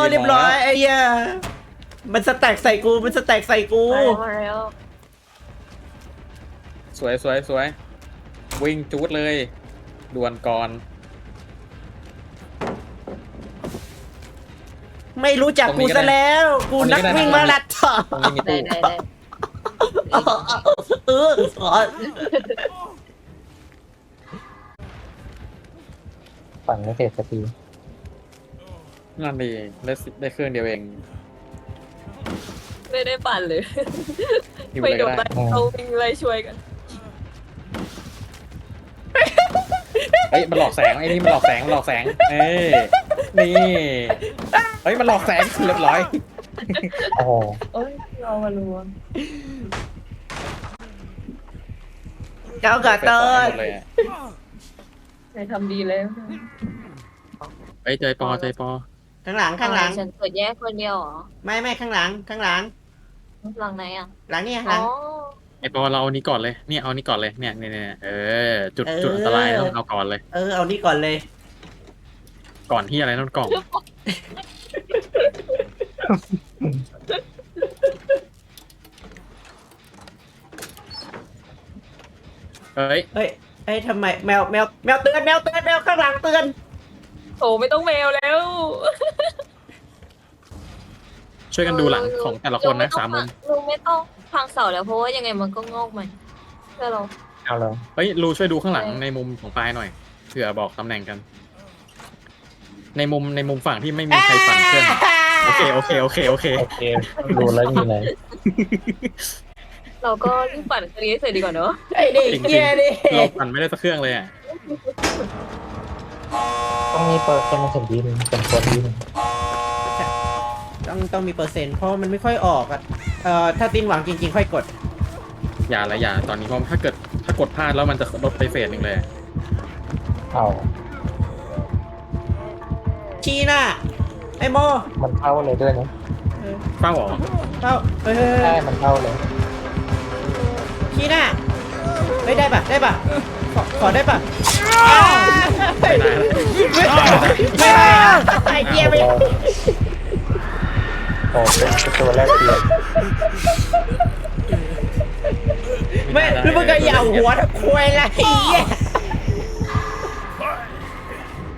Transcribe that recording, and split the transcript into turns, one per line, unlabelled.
เรียบร้อยไอ้เหี้ยมันสแต็กใส่กูมันสแต็กใส่กู
มาแล้ว
สวยสวยสวยวิ่งจูดเลยด่วนก่อน
ไม่รู้จักกูซะแล้วกูนักวิ่งมาราธอน
ตรงนี้มี
ได้
ตู้
ได้
เออ
ปั่นไม่เสร็จสักที
นั่นดีได้เครื่องเดียวเอง
ไม่ได้ปั่นเลย
อยู่
ไม่
เลย
โด
ก็
น
ได้
เขาวิ่งไล่ช่วยกัน
เฮ้ยมันหลอกแสงไอ้นี่มันหลอกแสงมันหลอกแสงเอ้ยนี่เฮ้ยมันหลอกแสงเรียบร้อย
โอ้โห
โอ้ยเรามาลวง
เจ้ากระ
เปิด
เติ
ต่อให้
น
หมดเลยอะ
ใครทำดีแล้ว
เฮ้ยใจปอใจปอ
ข้างหลังข้างหลัง
ฉันเปิดแยกคนเดียวเหรอ
ไม่ข้างหลังข้างหลัง
หลังไหนอ่ะ
หลังเนี่ยห
อ๋
ลั
อง
ไอปอเราเอานี้ก่อนเลยเนี่ยเอานี้ก่อนเลยเนี่ยจุดอันตรายต้องเอาก่อนเลย
เอานี่ก่อนเลย
ก่อนที่อะไรนั่นกล่องเฮ้ย
เฮ้ยทำไมแมวเตือนแมวข้างหลังเตือน
โอ้ไม่ต้องแมวแล้ว
ช่วยกันดูหลังของแต่ละคนนะ3 มุม
ลุงไม่ต้องพังเสาแล้วเพราะว่ายังไงมันก็งอกใหม่เพื่อเรา
เอาเลย
เฮ้ยรูช่วยดูข้างหลังในมุมของปลายหน่อยเผื่อบอกตำแหน่งกัน ในมุมฝั่งที่ไม่มีใครปั่นเครื่องโอเค
โอเคดูแล้วมีอะไร
เราก็รีบปั่นคดีให้เสร็จดีกว่าเนอะ
ไอ้เด็ก
จริง
เหี้ยดิ
ๆเราปั่นไม่ได้สักเครื่องเลยอ่ะ
ต้องมีเปิดเป็นมาถึงดีนึงเป็นคนดีนึง
ต้องมีเปอร์เซ็นต์เพราะมันไม่ค่อยออกอ่ะถ้าตินหวังจริงๆค่อยกด
อย่าตอนนี้เพราะถ้ากดพลาดแล้วมันจะลดไปเฟสหนึ่งเลย
เอา
ชี้หน้าไอ้โม
มันเข้าเลยด้วยนะ
เฝ้าเหรอ
เข้าเฮ้ย
ใช่มันเข้าเลย
ชี้หน้าเฮ้ยได้ป่ะขอได้ป่ะ
ไม่ได้
ไม่ได้ไอ้เหี้ยไม่
โอ้เป็นตัวแรกเปลี่ยน
ไม่แล้วมึงก็อย่าหัวตะควยละไอ้เหี้ย